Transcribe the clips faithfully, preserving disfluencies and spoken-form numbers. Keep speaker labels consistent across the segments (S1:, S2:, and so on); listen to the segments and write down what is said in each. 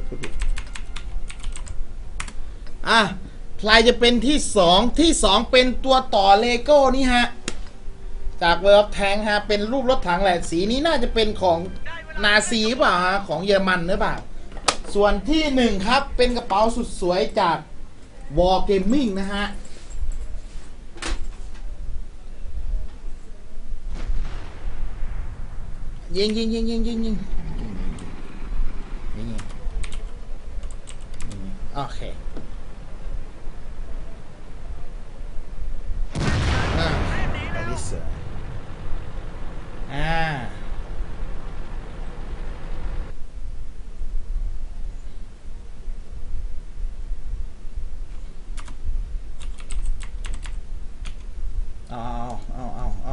S1: พูดผิดอ่ะใครจะเป็นที่สองที่สองเป็นตัวต่อเลโก้นี่ฮะจากเวิร์ฟแทงฮะเป็นรูปรถถังแหละสีนี้น่าจะเป็นของนาซีหรือเปล่าฮะของเยอรมันหรือเปล่าส่วนที่หนึ่งครับเป็นกระเป๋าสุดสวยจาก War Gaming นะฮะยิงยิงยิงยิงยิงยิงยิงโอเคอ่าไปดิสอ่าเอาเอาเอาเอา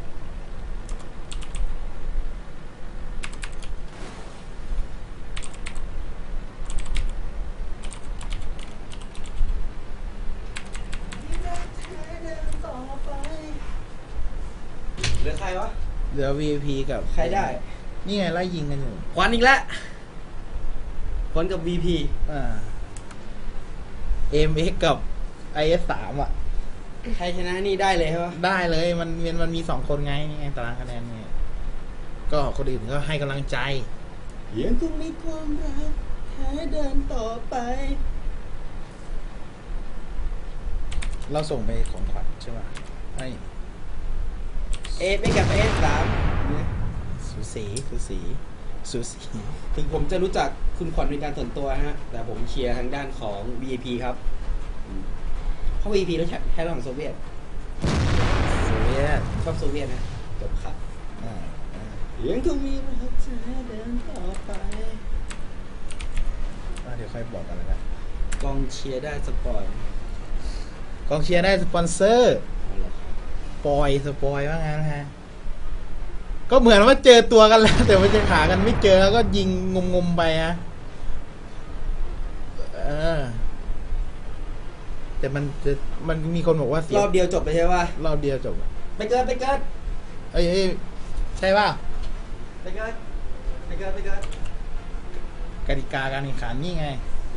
S2: เหลือใครวะ
S1: เหลือ วี ไอ พี กับ
S2: ใครได้
S1: นี่ไงไล่ยิงกันอยู่
S2: ควันอีกแล้วควันกับ วี พี
S1: อ่า เอ็ม เอ็กซ์ กับ ไอ เอส สาม อ่ะ
S2: ใครชนะนี่ได้เลยใช่ปะ
S1: ได้เลยมันมันมันมีสองคนไงนี่ไงตารางคะแนนไงก็คนอื่นก็ให้กำลังใจยังคงมีความรักแค่เดินต่อไป เราส่งไปของขวัญใช่ป่ะให้
S2: เอฟไม่กับเอฟสามเนี่ย
S1: สูสีสูสีสูสี
S2: ถึงผมจะรู้จักคุณขวัญเป็นการส่วนตัวฮะแต่ผมเชียร์ทางด้านของ วี ไอ พี ครับอืมเพราะ วี ไอ พี แล้วแค่ระหว่างโซเวียต
S1: โซเวียต
S2: ชอบโซเวียตนะจบครับ
S1: อ่าอ่า
S2: ยังคงมีรักเธอเดินต่อไป
S1: อ่าเดี๋ยวค่อยบอกกันแล้วกัน
S2: กองเชียร์ได้สปอย
S1: กองเชียร์ได้สปอนเซอร์
S2: เอาละครับ
S1: ปอยสปอยว่างั้นฮะก็เหมือนว่าเจอตัวกันแล้ว แต่ไม่เจอขากันไม่เจอแล้วก็ยิงงมๆไปฮะเออแต่มันจะมันมีคนบอกว่าเสีย
S2: รอบเดียวจบไปใช่ปะ
S1: รอบเดียวจบ
S2: ไปเกินไปเกิน
S1: เอ้ยเอ้ยใช่ป่ะ
S2: ไปเกินไปเกินไปเกิน
S1: กติกาการแข่งขันนี่ไง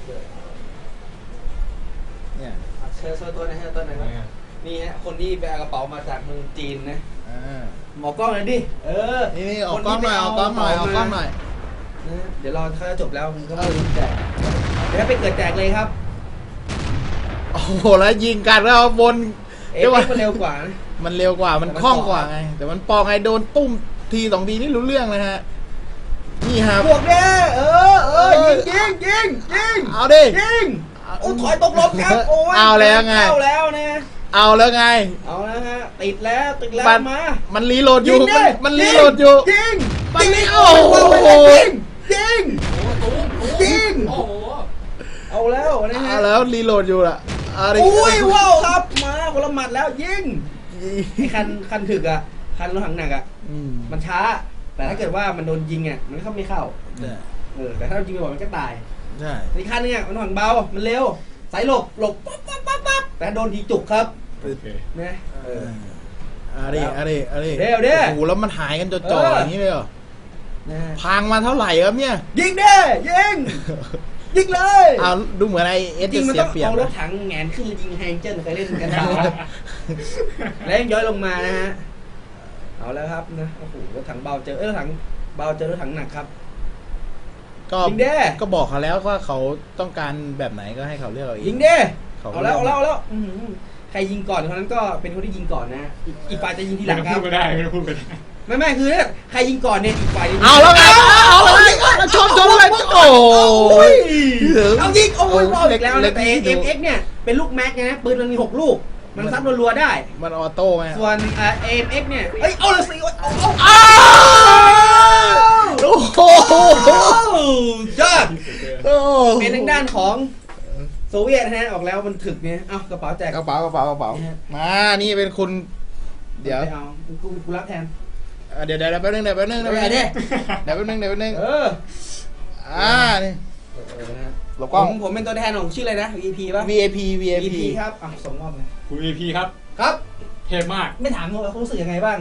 S1: เนี่ย
S2: เชิญโชว์ตัวหนะฮะตัวไหนวะนี่ฮะคนที่ไปเอากระเป๋ามาจากเมืองจีนนะ
S1: อ่า
S2: หมอกล้องเลยดิเออ
S1: นี่นี่ออกกล้องหน่อยออกกล้องหน่อยออกกล้องหน่อย
S2: นะเดี๋ยวรอถ้าจบแล้วมันก็มาแจกเดี๋ยวไปเกิดแจกเลยครับ
S1: โอ้โหแล้วยิงกันแล้วบน
S2: เอ๊ะมันเร็วกว่านะ
S1: มันเร็วกว่ามันคล่องกว่าไงแต่มันปอกไงโดนตุ้มทีสองทีนี่รู้เรื่องเลยฮะนี่ฮะ
S2: บวกเด้เออเออยิงยิงยิงยิง
S1: เอาดิ
S2: ยิงโอ้ถอยตกลบครับโอ้ย
S1: เอาแล้วไง
S2: เข้าแล้วนะ
S1: เอาแล้วไง
S2: เอาแล้วฮะติดแล้วติดแล้ว
S1: มัน
S2: มา
S1: มันรีโหลดอยู่
S2: ยิงดิ
S1: มันมันรีโหลดอยู่
S2: ยิง
S1: มัน
S2: ยิง
S1: ไม่
S2: โอ้
S1: โอ้
S2: โห
S1: โห
S2: ยิงยิงยิง
S3: โอ้โห
S2: เอาแล้วนะฮะ
S1: เอาแล้วรีโหลดอยู่ล่ะเอาดิ
S2: อุ้ยว้าวครับมาคนละหมัดแล้วยิงไอ้คันคันถึกอ่ะคันรถถังหนักอ่ะ
S1: อืม
S2: มันช้า แต่ถ้าเกิดว่ามันโดนยิงอ่ะมันก็เข้าไม่เข้า
S1: ใช่
S2: เออแต่ถ้าเรายิงไปบ่อยมันก็ตาย
S1: ใช่
S2: อีกคันนึงอ่ะมันถังเบามันเร็วสายหลบหลบปั๊บปั๊บปั๊บปั๊บแต่โดนทีจุกครับ
S3: โอเค
S2: นะเอ
S1: เอ
S2: อ
S1: อเอาดิเอาดิเอาดิ
S2: เร็วดิ
S1: โอ้โหแล้วมันหายกันจ่อๆอย่างนี้เลยเหรอ
S2: นะ
S1: พังมาเท่าไหร่ครับเนี่ย
S2: ยิงเด้ยิงยิงเลย
S1: เอาดูเหมือนไอเอส
S2: จริ
S1: จะ
S2: งมัน
S1: เสีย
S2: ต้อง
S1: เปรียบ
S2: เอารถ
S1: นะ
S2: ถังแงนขึ้นยิงแฮงเจิ้นเคยเล่นกันแล้วแล้วยังย้อยลงมานะฮะเอาแล้วครับนะโอ้โหรถถังเบาเจอเอ้ยรถถังเบาเจอรถถังหนักครับ
S1: ก็
S2: ยิงดิ
S1: ก็บอกเขาแล้วว่าเขาต้องการแบบไหนก็ให้เขาเลือกเอาเอง
S2: ยิงเด้
S1: เขา
S2: เอาแล้วเอาแล้วเอาแล้วอื้อหือใครยิงก่อนคนนั้นก็เป็นคนที่ยิงก่อนนะอีกอีกฝ่ายจะยิงทีหลัง
S3: ไม่
S2: ค
S3: ต้
S2: รั
S3: อบ งพูดก็ได้ไม่ต้องพูดก็ได้
S2: ไม่ไม่คือเนี่ยใครยิงก่อนเนี่ยอีกฝ่ายจะยิง
S1: เอาแล้วไงเอาแล้วไงชนชนเลยโอ้
S2: โอ้
S1: ย
S2: ยเอายิงโอ้ย
S1: เอา
S2: เอาอีกแล้ว
S1: เล็
S2: นะ
S1: กๆ
S2: แต่
S1: ที่
S2: เอ็
S1: ดู
S2: มเอ็กเนี่ยเป็นลูกแม็กนะปืนมันมีหกลูก มันซัดรัวๆได้
S1: มันออโต้ไง
S2: ส่วนเอ็มเอ็กเนี่ยเอ้ยเอาเลยสิเอาเอา
S1: อ้าวโอ้โห
S2: ยอด
S1: โอ้
S2: เป็นทางด้านของโซเวียตนะฮะออกแล้วมันถึกเนี่ยเอ้ากระเป๋าแจก
S1: กระเป๋ากระเป๋ากระเป๋ามานี่เป็นคุณเดี๋ยว
S2: ไม่เอากูกูรับแทน
S1: อ่ะเดี๋ยวเดี๋ยวแป๊บนึงเดี๋ยวแป๊บนึง
S2: เดี๋
S1: เดี๋
S2: ย
S1: ยว ว
S2: เดี๋ยว
S1: แป๊บนึงเดี๋ยวแป๊บนึง
S2: เออ
S1: อ่านี่
S2: เออนะฮะ
S1: หลบ
S2: ผ
S1: กล้อง
S2: มผมเป็นตัวแทนของชื่ออะไรนะ วี ไอ พี ป่ะ
S1: วี ไอ พี วี ไอ
S2: วี
S1: พี
S2: ครับอ่ะส่งมอบเลย
S3: คุณ วี พี ครับ
S2: ครับ
S3: เทพมาก
S2: ไม่ถามเขาว่าเขารู้สึกยังไงบ้าง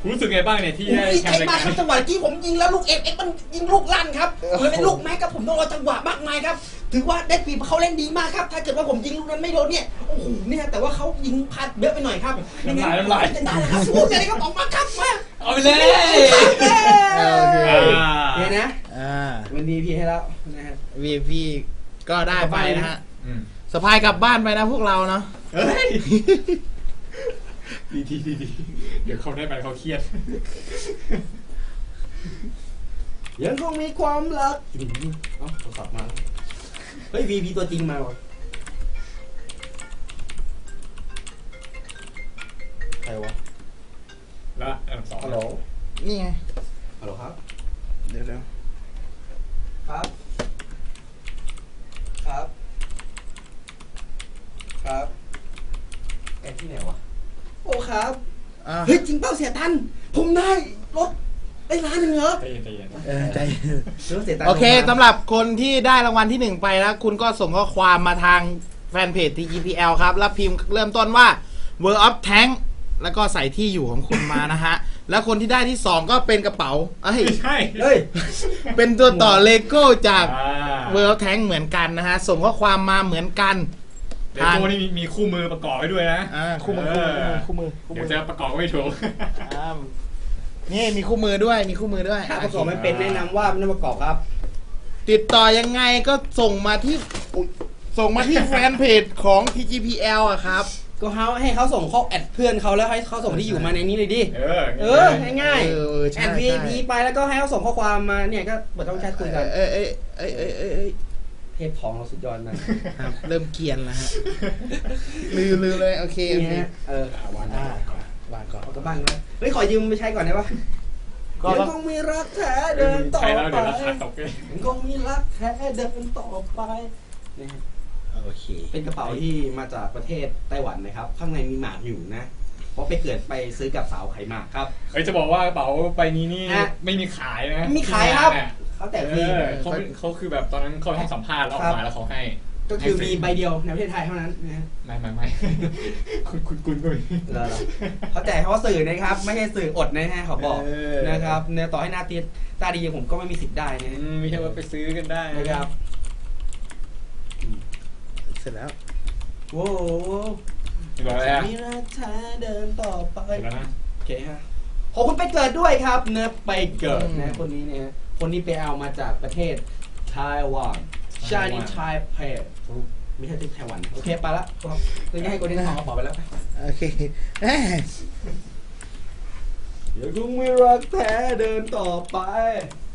S3: คุณรู้สึกไงบ้างเนี่ยที่
S2: ผม
S3: ได้
S2: ดี
S3: แช
S2: ใจ
S3: มป์ราย
S2: มาก
S3: การ
S2: ครับจังหวะที่ผมยิงแล้วลูกเอ็กเอ็กมันยิงลูกลั่นครับเลยเป็นลูกแม็กครับผมต้องรอจังหวะมากมายครับถือว่าได้ปีเขาเล่นดีมากครับถ้าเกิดว่าผมยิงลูกนั้นไม่โดนเนี่ยโอ้โหเนี่ยแต่ว่าเขายิงพลาดเยอะไปหน่อยครับ
S3: น้ำลายน้ำลาย
S2: ได้แล้วครับสู้เลยครับออกมาครับมา
S3: เอาไปเลย
S1: โอเค
S3: อ่า
S2: เนี่ยนะ
S1: อ่า
S2: มันดีพี่ให้แล้วนะฮะ
S1: วี พี ก็ได้ไปนะฮะ
S3: อืม
S1: สะพายกลับบ้านไปนะพวกเราเนาะ
S3: เฮ้ยดีดีดีดีเดี๋ยวเขาได้ไปเขาเครียด
S2: ยังคงมีความรักเอ้าโทรศัพท์มาเฮ้ยวีพีตัวจริงมาว่ะใครวะ
S3: แล้วอันดับสอง
S2: ฮัลโหล
S1: นี่ไง
S2: ฮัลโหลครับ
S1: เดี๋ยวเดี๋ยว
S2: ครับ ครับ ครับแอดที่ไหนวะ โอ้ครับ
S1: อ่า
S2: เฮ้ยจริงเปล่าเสียตัน ผมได้รถได้ล้านหนึ่งเหรอ
S3: ใจเย็นใจเย็น
S1: เออใจ
S2: รถเสียตัน
S1: โอเค
S2: ผมมา
S1: สำหรับคนที่ได้รางวัลที่หนึ่งไปแล้ว คุณก็ส่งข้อความมาทางแฟนเพจ ที จี พี แอล ครับ แล้วพิมพ์เริ่มต้นว่า World of Tank แล้วก็ใส่ที่อยู่ของคุณมานะฮะ แล้วคนที่ได้ที่สองก็เป็นกระเป๋าเอ้ย
S3: ไม่ใช่
S2: เฮ้ย
S1: เป็นตัวต่อเลโก้จาก
S3: อ่า
S1: World of Tank เหมือนกันนะฮะ ส่งข้อความมาเหมือนกัน
S3: เดี๋ยวตัวนี้มีมีคู่มือประกอบไว้ด้วยนะ
S1: อ่าคู่มือ
S3: เ
S1: คู่มือคู่มือคู่
S3: เดี๋
S1: มื
S3: ยว
S1: อ
S3: จะประกอบไม่ถูก
S1: อ่านี่มีคู่มือด้วยมีคู่มือด้วย
S2: ถ้าประกอบไม่เป็นแนะนำว่าไม่ต้องประกอบครับ
S1: ติดต่อยังไงก็ส่งมาที่อุ๊ยส่งมาที่แฟนเพจของ ที จี พี แอล อะครับ
S2: ก็เขาให้เขาส่งข้อแอดเพื่อนเขาแล้วให้เขาส่งที่อยู่มาในนี้เลยดิ
S3: เออ
S2: เออง่าย
S1: เออเออ
S2: ๆ
S1: ใช่
S2: แอด
S1: ใช่
S2: วี พี ไปแล้วก็ให้เขาส่งข้อความมาเนี่ยก็เปิดช่องแชทคุยกัน
S1: เอ้ยเอ้ยเอ้ยเอ้ยเอ้ยเอ้ย
S2: เทพของเราสุดยอดมาก
S1: ครับเริ่มเกรียนแล้วฮะลืมลืมเลยโอเคโอ
S2: นี่
S1: เค
S2: ฮะเออ
S3: อ่ะวาง
S1: อ่า
S3: ก่อน
S1: วางก่อน
S2: เอากลับบ้านนะเฮ้ยขอยืมไปใช้ก่อนได้ปะ
S1: ก็
S2: ยัง
S1: ต้อง
S2: คงมีรักแท้เดินต่อ
S3: ใช่แล้ว
S2: ไป
S3: เดี๋ยวราคาตกเลย
S2: ยังคงมีรักแท้เดินต่อไปนะฮะ
S1: โอเค
S2: เป็นกระเป๋าที่มาจากประเทศไต้หวันนะครับ ข้างในมีหมากอยู่นะ เพราะไปเกิดไปซื้อกับสาวไขหมากครับ
S3: เฮ้ยจะบอกว่ากระเป๋าใบนี้นี่
S2: ฮะ
S3: ไม่มีขายนะ
S2: มีขายครับ
S3: ที่งนเนี่ย
S2: เขาแต่
S3: เอ
S2: ฟรี
S3: อเขาเป็นเขาคือแบบตอนนั้นเขาให้สัมภาษณ์แล้วออกมาแล้วเขาให้
S2: ก็คือมีใบเดียวในประเทศไทยเท่านั้นนะฮะ
S3: ไม่ไม่ไม่ คุณคุณคุณก็มี
S2: เหรอเขาแจกเขาสื่อนะครับ ไม่ใช่สื่ออดนะฮะเขาบอก
S3: เออ
S2: นะครับเนี่ยต่อให้หน้าตีตาดีอย่างผมก็ไม่มีสิทธิ์ได้นะฮะ
S3: อืมไม่ใช่ว่าไปซื้อกันได้
S2: นะครับ
S1: เสร็จแล้ว
S2: โว้โห
S3: เห็นบอกอะไรอ่ะ
S2: มีรักแท้เดินต่อไป
S3: เห็นแล้วนะ
S2: โอเคฮะขอบคุณไปเกิดด้วยครับเนื้อไปเกิด
S1: อืม
S2: นะคนนี้เนี่ยคนนี้ไปเอามาจากประเทศไต้หวันชา
S3: ไต้หวัน
S2: ลีไทเปไม่ใช่ที่ไต้หวันโอเคไปละครับตัวนี้ให้คนนี้ทองกระเป๋าไปแล้ว
S1: โอเคแหม
S2: เดี๋ยวคงมีรักแท้เดินต่อไป